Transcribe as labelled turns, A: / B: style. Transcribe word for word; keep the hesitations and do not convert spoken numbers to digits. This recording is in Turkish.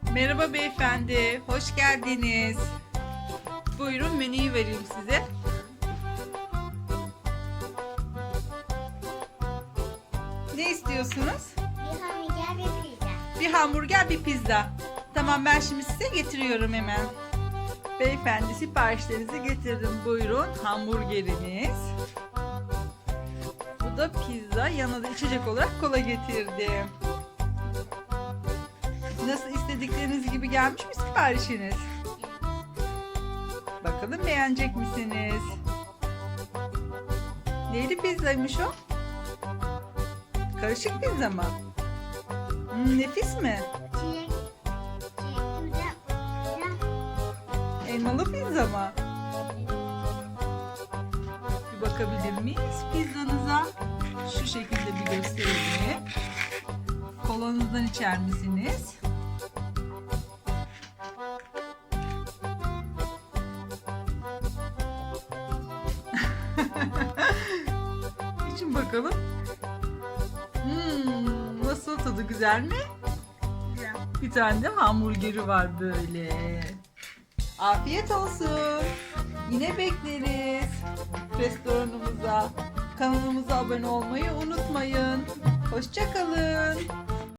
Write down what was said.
A: Merhaba beyefendi, hoş geldiniz. Buyurun menüyü vereyim size. Ne istiyorsunuz?
B: Bir hamburger bir pizza.
A: Bir hamburger, bir pizza. Tamam ben şimdi size getiriyorum hemen. Beyefendi siparişlerinizi getirdim. Buyurun hamburgeriniz. Bu da pizza. Yanına da içecek olarak kola getirdim. Nasıl istedikleriniz gibi gelmiş mi siparişiniz? Bakalım beğenecek misiniz? Neyli pizzaymış o? Karışık pizza mı? Hmm, nefis mi?
B: Çilek, çilek pizza.
A: Elmalı pizza mı? Bir bakabilir miyiz pizzanıza? Şu şekilde bir göstereyim. Kolanızdan içer misiniz? İçin bakalım. Hmm, nasıl, tadı güzel mi?
B: Güzel.
A: Bir tane de hamburgeri var böyle. Afiyet olsun. Yine bekleriz restoranımıza. Kanalımıza abone olmayı unutmayın. Hoşça kalın.